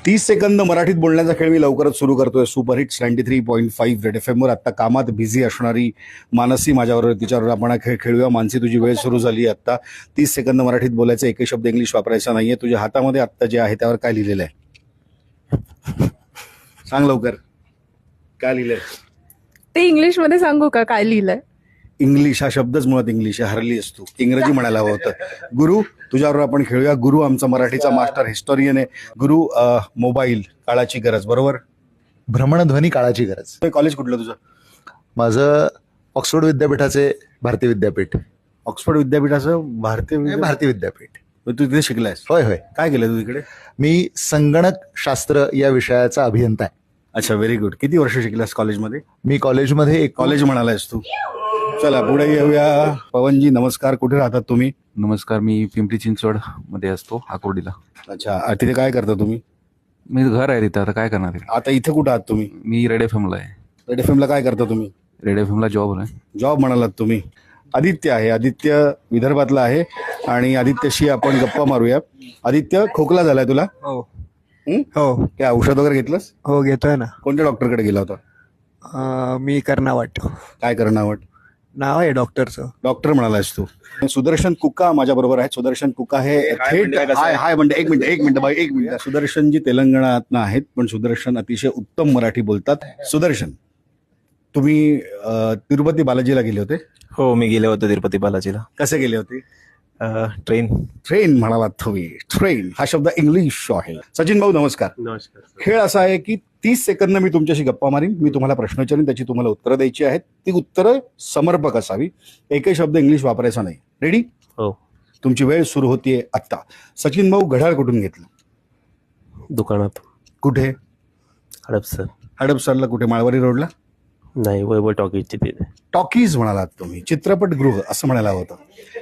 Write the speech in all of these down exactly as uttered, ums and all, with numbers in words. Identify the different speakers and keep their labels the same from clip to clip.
Speaker 1: तीस सेकंद मराठीत बोलण्याचा खेळ मी लवकरच सुरू करतोय. Superhit ninety three point five red F एमवर. आत्ता कामात बिझी असणारी मानसी माझ्याबरोबर, तिच्याबरोबर आपण हा खेळ खेळूया. मानसी, तुझी वेळ सुरू झाली. आत्ता तीस सेकंद मराठीत बोलायचं, एकही शब्द इंग्लिश वापरायचा नाहीये. तुझ्या हातामध्ये आत्ता जे आहे त्यावर काय लिहिलेलं आहे सांग लवकर. काय लिहिलंय
Speaker 2: ते इंग्लिश मध्ये सांगू का काय लिहिलंय?
Speaker 1: इंग्लिश हा शब्दच मुळात इंग्लिश आहे. हरली असतो, इंग्रजी म्हणायला हवं होतं. गुरु, तुझ्याबरोबर आपण खेळूया. गुरु आमचा मराठीचा मास्टर हिस्टोरियन आहे. गुरु, अ, मोबाईल काळाची गरज, बरोबर?
Speaker 3: भ्रमणध्वनी काळाची गरज.
Speaker 1: कॉलेज कुठलं तुझं?
Speaker 3: माझं ऑक्सफोर्ड विद्यापीठाचे भारतीय विद्यापीठ.
Speaker 1: ऑक्सफोर्ड विद्यापीठाचं भारतीय विद्या-
Speaker 3: भारतीय विद्यापीठ.
Speaker 1: तू तिथे शिकलायस?
Speaker 3: होय होय.
Speaker 1: काय केलं तू तिकडे?
Speaker 3: मी संगणक शास्त्र या विषयाचा अभियंता आहे.
Speaker 1: अच्छा, व्हेरी गुड. किती वर्ष शिकलास कॉलेजमध्ये?
Speaker 3: मी कॉलेजमध्ये एक
Speaker 1: कॉलेज म्हणालायस तू. चला पुढे येऊया. पवनजी नमस्कार. कुठे राहतात तुम्ही?
Speaker 4: नमस्कार, मी पिंपरी चिंचवड मध्ये असतो, आकुर्डीला.
Speaker 1: अच्छा, अ, तिथे काय करता तुम्ही?
Speaker 4: मी घर आहे तिथं, आता काय करणार आहे?
Speaker 1: आता इथे कुठं आहात तुम्ही?
Speaker 4: मी रेड एफ एमला आहे.
Speaker 1: रेड एफ एमला काय करता तुम्ही?
Speaker 4: रेड एफ एमला जॉब आहे.
Speaker 1: जॉब म्हणालात तुम्ही. आदित्य आहे. आदित्य विदर्भातला आहे आणि आदित्यशी आपण गप्पा मारूया. आदित्य, खोकला झालाय तुला?
Speaker 5: हो
Speaker 1: हं?
Speaker 5: हो
Speaker 1: काय औषध वगैरे घेतलंस?
Speaker 5: हो घेतोय ना.
Speaker 1: कोणत्या डॉक्टरकडे गेला होता?
Speaker 5: अं, मी कर्नावट
Speaker 1: काय करणं वाट?
Speaker 5: नाव आहे डॉक्टरचं.
Speaker 1: डॉक्टर म्हणालायस तू. सुदर्शन कुका माझ्या बरोबर आहे. सुदर्शन कुका हे थेट हाय हाय म्हणते. एक मिनिट एक मिनिट बाई एक मिनिट. सुदर्शन जी तेलंगणातनं आहेत, पण सुदर्शन अतिशय उत्तम मराठी बोलतात. सुदर्शन, तुम्ही अ, तिरुपती बालाजीला गेले होते?
Speaker 6: हो, मी गेले होते तिरुपती बालाजीला.
Speaker 1: कसे गेले होते?
Speaker 6: ट्रेन.
Speaker 1: ट्रेन म्हणालात तुम्ही. ट्रेन हा शब्द इंग्लिश आहे. सचिन भाऊ नमस्कार.
Speaker 7: नमस्कार.
Speaker 1: खेळ असा आहे की तीस सेकंद मी तुमच्याशी गप्पा मारीन. मी तुम्हाला प्रश्न विचारीन, त्याची तुम्हाला उत्तरं द्यायची आहेत. ती उत्तरं समर्पक असावी. एकही शब्द इंग्लिश वापरायचा नाही. रेडी?
Speaker 6: हो.
Speaker 1: तुमची वेळ सुरू होतीये आत्ता. सचिन भाऊ, घड्याळ कुठून घेतलं?
Speaker 7: दुकानात.
Speaker 1: कुठे?
Speaker 7: हडपसर.
Speaker 1: हडपसरला कुठे? माळवारी रोडला?
Speaker 7: नाही, वैभव टॉकीजची तिथे.
Speaker 1: टॉकीज म्हणालात तुम्ही. चित्रपटगृह असं म्हणायला होतं.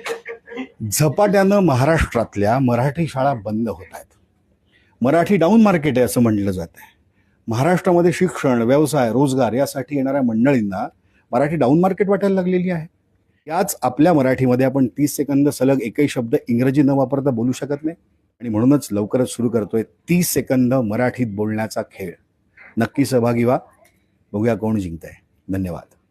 Speaker 1: झपाट्यानं महाराष्ट्रातल्या मराठी शाळा बंद होत आहेत. मराठी डाऊन मार्केट आहे असं म्हटलं जात आहे. महाराष्ट्रामध्ये शिक्षण, व्यवसाय, रोजगार यासाठी येणाऱ्या मंडळींना मराठी डाऊन मार्केट वाटायला लागलेली आहे. याच आपल्या मराठीमध्ये आपण तीस सेकंद सलग एकही शब्द इंग्रजी न वापरता बोलू शकत नाही. आणि म्हणूनच लवकरच सुरू करतोय तीस सेकंद मराठीत बोलण्याचा खेळ. नक्की सहभागी व्हा. बघूया कोण जिंकतंय. धन्यवाद.